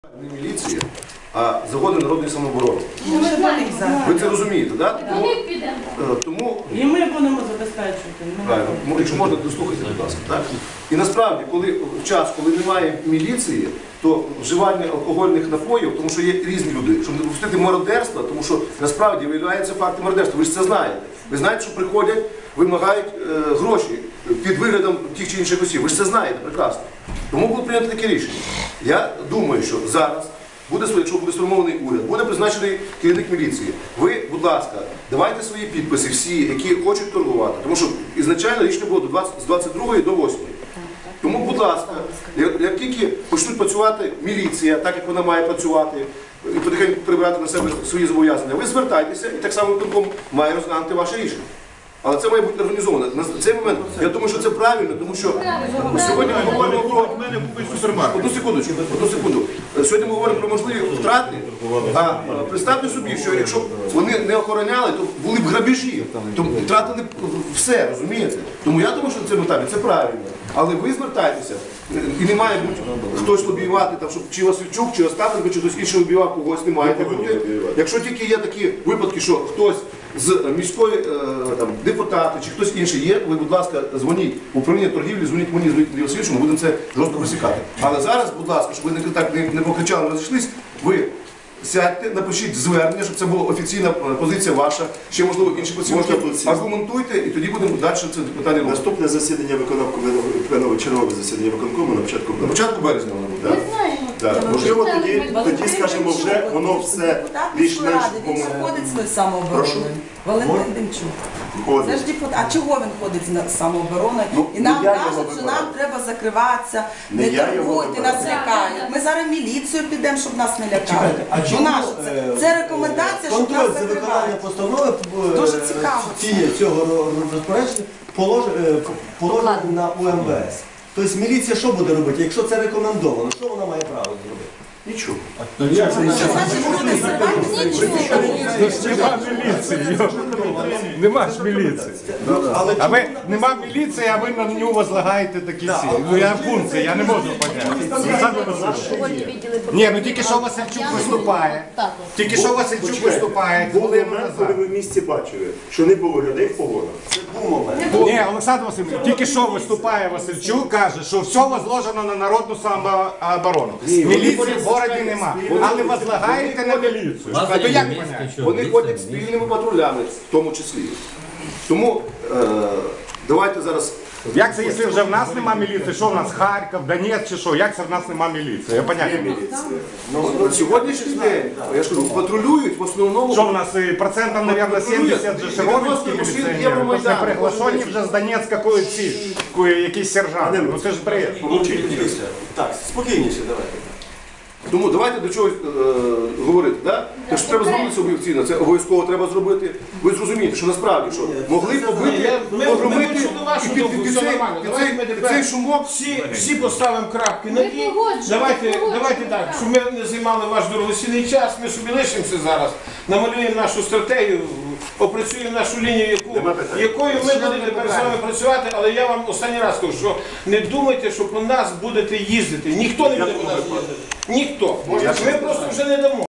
Не міліція, а загони народної самооборони. Ви це розумієте, так? Тому... І ми будемо забезпечувати. Правильно. Якщо можна, дослухайте, будь ласка. Так? І насправді, в час, коли немає міліції, то вживання алкогольних напоїв, тому що є різні люди, щоб не допустити мародерства, тому що насправді виявляються факти мародерства. Ви ж це знаєте. Ви знаєте, що приходять, вимагають гроші під виглядом тих чи інших осіб. Ви ж це знаєте прекрасно. Тому було прийнято таке рішення. Я думаю, що зараз, якщо буде сформований уряд, буде призначений керівник міліції. Ви, будь ласка, давайте свої підписи всі, які хочуть торгувати. Тому що ізначально рішення було з 22 до 8. Тому, будь ласка, як тільки почнуть працювати міліція, так як вона має працювати, і потихеньку прибрати на себе свої зобов'язання, ви звертайтеся і так само виконком має розглянути ваше рішення. Але це має бути організовано. На цей момент, я думаю, що це правильно, тому що сьогодні ми говоримо про... Одну секунду. Сьогодні ми говоримо про можливі втрати, а представте собі, що якщо вони не охороняли, то були б грабежі, то втратили все, розумієте? Тому я думаю, що на цьому етапі це правильно. Але ви звертайтеся, і не має бути хтось лобіювати, там, щоб чи Васильчук, чи Остапенко, чи хтось інший лобіював, когось не має бути. Якщо тільки є такі випадки, що хтось з міської депутати чи хтось інший є, ви, будь ласка, дзвоніть в управління торгівлі, дзвоніть мені, дзвоніть Андрію Васильовичу, ми будемо це жорстко пресікати. Але зараз, будь ласка, щоб ви так не покричали, не розійшлись, ви сядьте, напишіть звернення, щоб це була офіційна позиція ваша, ще, можливо, інші позиції, аргументуйте, і тоді будемо далі це питання. Наступне засідання виконкому, чергове засідання виконкому на початку березня воно буде. Можливо, тоді, скажімо, вже воно все більш-менш... Він же ходить з самообороною. Валентин Демчук. Це ж депутат. А чого він ходить з самообороною? І нам кажуть, що нам треба закриватися, не торгуйте, нас лякають. Ми зараз в міліцію підемо, щоб нас не лякали. Це рекомендація, щоб нас закривають. Виконання постанови дуже цікаво. Цього розпорядження положено на УМВС. Тобто міліція що буде робити, якщо це рекомендовано? Що вона має право зробити? Нічого. Нема ж міліції. А ви нема міліції, а ви на нього возлагаєте такі всі. Ну я функції, я не можу поняти. Ні, ну тільки що Васильчук виступає. Тільки що Васильчук виступає. Були момент, коли ви в місті бачили, що не було людей в погонах. Це був момент. Ні, Олександр Васильович, тільки що виступає Васильчук, каже, що все возложено на народну самооборону. Міліції в городі нема. Але возлагаєте на міліцію. А то як поняти? Вони ходять спільними патрулями, в тому числі. Тому давайте зараз... Як це, якщо вже в нас нема міліції? Що в нас, Харків, Донець чи що? Як це в нас нема міліції? Я поняття не маю. На сьогоднішній день, я ж кажу, патрулюють в основному... Що в нас, процентів, мабуть, 70 же широковські міліціонери? Тож не приглашені вже з Донецька якісь сержанти. Ну це ж бред. Так, спокійніше давайте. Тому давайте до чогось говорити, так? Те, що треба зробити об'єктивно, це обов'язково треба зробити. Ви зрозумієте, що насправді, що могли побити, погромити і під цей шумок... Всі поставимо крапки на «і». Давайте так, щоб ми не займали ваш дорогоцінний час, ми собі лишимося зараз, намалюємо нашу стратегію, опрацюємо нашу лінію, якою ми будемо тепер з вами працювати, але я вам останній раз кажу, що не думайте, що по нас будете їздити. Ніхто не буде по нас їздити. Ніхто. Ми просто вже не дамо.